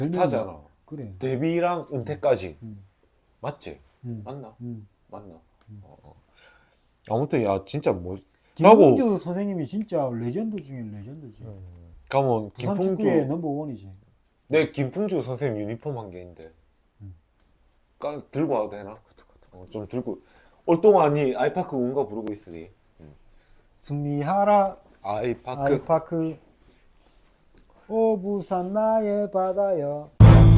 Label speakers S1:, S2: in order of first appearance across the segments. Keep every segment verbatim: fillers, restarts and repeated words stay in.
S1: 비슷하잖아.
S2: 그래.
S1: 데뷔랑 은퇴까지.
S2: 음.
S1: 맞지?
S2: 음.
S1: 맞나?
S2: 음.
S1: 맞나?
S2: 음.
S1: 어, 어. 아무튼 야 진짜 뭐
S2: 김풍주 선생님이 진짜 레전드 중에 레전드지.
S1: 음. 가면
S2: 부산
S1: 김풍주
S2: 축구의 넘버 원이지.
S1: 내 김풍주 선생님 유니폼 한 개 있는데
S2: 음.
S1: 까 들고 와도 되나? 어, 좀 들고 올 동안이 아이파크 운가 부르고 있으니
S2: 승리하라
S1: 아이파크
S2: 아이파크 오 부산 나의 바다여.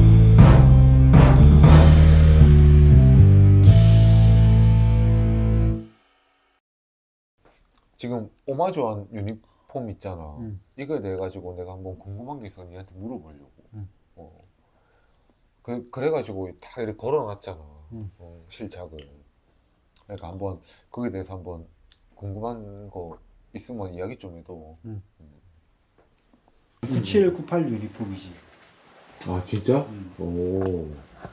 S1: 지금 오마주한 유니폼 있잖아.
S2: 음.
S1: 이거에 대해 가지고 내가 한번 궁금한 게 있어 니한테 물어보려고.
S2: 음.
S1: 어. 그 그래가지고 다 이렇게 걸어놨잖아.
S2: 음.
S1: 어, 실착을. 그러니까 한번 거기에 대해서 한번 궁금한 거 있으면 이야기 좀 해도.
S2: 음.
S1: 음.
S2: 구십칠 구십팔 유니폼이지.
S1: 아 진짜?
S2: 음.
S1: 오.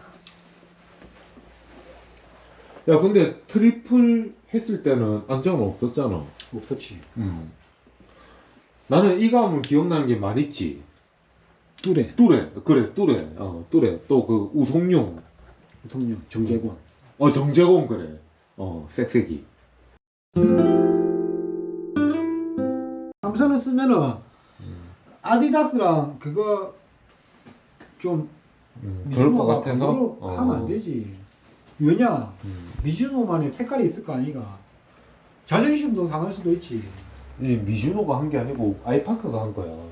S1: 야 근데 트리플 했을 때는 안정은 없었잖아.
S2: 없었지.
S1: 음. 나는 이 가문 기억나는 게 많이 있지.
S2: 뚜레
S1: 뚜레 그래 뚜레 어 뚜레 또 그 우송룡
S2: 대통령 정재권.
S1: 어 정재공 그래 어 색색이.
S2: 삼선을 쓰면은
S1: 음.
S2: 아디다스랑 그거 좀
S1: 음, 그럴 것
S2: 미즈노가
S1: 같아서
S2: 그걸로
S1: 어.
S2: 하면 안 되지. 왜냐?
S1: 음.
S2: 미즈노만의 색깔이 있을 거 아니가. 자존심도 상할 수도 있지.
S1: 이 미즈노가 한 게 아니고 아이파크가 한 거야.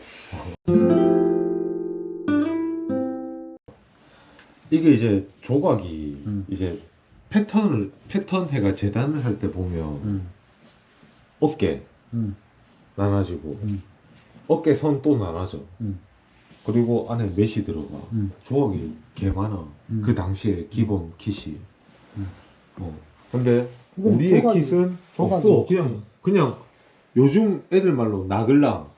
S1: 이게 이제 조각이
S2: 음.
S1: 이제 패턴을 패턴 해가 재단을 할 때 보면
S2: 음.
S1: 어깨
S2: 음.
S1: 나눠지고
S2: 음.
S1: 어깨 선 또 나눠져.
S2: 음.
S1: 그리고 안에 메시 들어가.
S2: 음.
S1: 조각이 개 많아.
S2: 음.
S1: 그 당시에 기본 킷이.
S2: 음.
S1: 어. 근데
S2: 이건
S1: 우리의
S2: 조각이-
S1: 킷은
S2: 조각이
S1: 없어.
S2: 없지.
S1: 그냥 그냥 요즘 애들 말로 나글랑.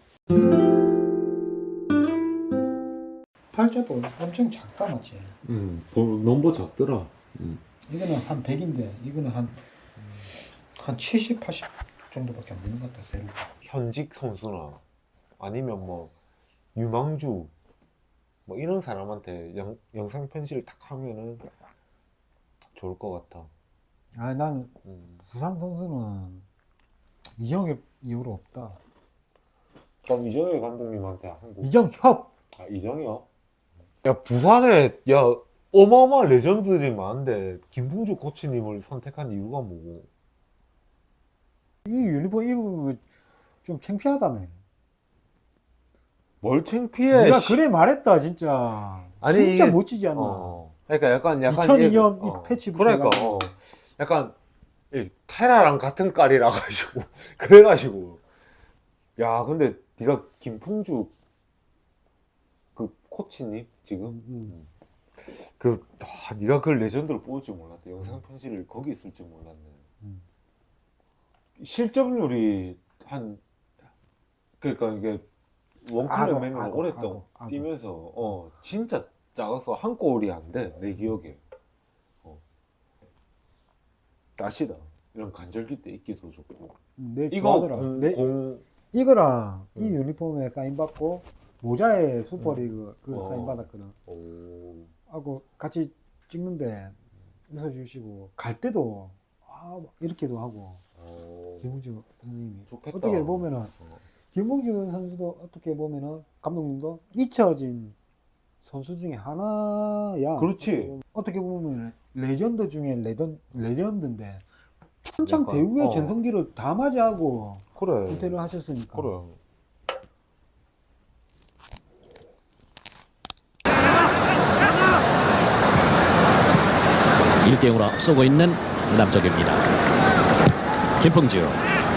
S2: 팔자도 엄청 작다 맞지?
S1: 음, 보- 넘버 작더라. 음.
S2: 이거는 한 백인데 이거는 한, 한 칠십, 팔십 정도밖에 안 되는 것 같다 세로.
S1: 현직 선수나 아니면 뭐 유망주 뭐 이런 사람한테 영, 영상 편지를 탁 하면은 좋을 것 같아.
S2: 아 나는
S1: 음.
S2: 부산 선수는 이정엽 이후로 없다.
S1: 그럼 이정혁 감독님한테 한국
S2: 이정협.
S1: 아 이정혁? 야 부산에 야 어마어마한 레전드들이 많은데 김풍주 코치님을 선택한 이유가 뭐고?
S2: 이 유니폼 입으면 좀 창피하다며.
S1: 뭘 창피해?
S2: 네가
S1: 씨.
S2: 그래 말했다 진짜.
S1: 아니,
S2: 진짜
S1: 이게-
S2: 멋지지 않나.
S1: 어. 그러니까 약간 약간
S2: 이천이 년
S1: 이게- 어.
S2: 이 패치부터
S1: 그러니까
S2: 해가지고.
S1: 어. 약간 이 테라랑 같은 깔이라 가지고 그래가지고 야 근데 네가 김풍주 그 코치님 지금
S2: 음, 음.
S1: 그 아, 네가 그 레전드를 뽑을 줄 몰랐다. 영상 편지를 거기 있을 줄 몰랐네.
S2: 음.
S1: 실점률이 한 그러니까 이게 원클럽
S2: 악어,
S1: 맨으로
S2: 악어,
S1: 오랫동안
S2: 악어, 악어.
S1: 뛰면서 어 진짜 작아서 한 골이 안 돼 내 기억에. 어. 다시다 이런 간절기 때 입기도 좋고.
S2: 내
S1: 이거
S2: 좋아하더라.
S1: 공,
S2: 내,
S1: 공
S2: 이거랑
S1: 음.
S2: 이 유니폼에 사인 받고 모자에 슈퍼리그 그
S1: 어.
S2: 사인 받았거든.
S1: 오.
S2: 하고 같이 찍는데 웃어주시고 갈 때도 아 이렇게도 하고
S1: 오.
S2: 김웅주 형님이
S1: 좋겠다.
S2: 어떻게 보면은
S1: 어.
S2: 김웅주 선수도 어떻게 보면은 감독님도 잊혀진 선수 중에 하나야.
S1: 그렇지.
S2: 어떻게 보면 레전드 중에 레전 레전드인데 한창
S1: 약간,
S2: 대우의
S1: 어.
S2: 전성기를 다 맞이하고
S1: 그래.
S2: 은퇴를 하셨으니까.
S1: 그래.
S3: 일 대 영으로 앞서고 있는 남쪽입니다. 김풍주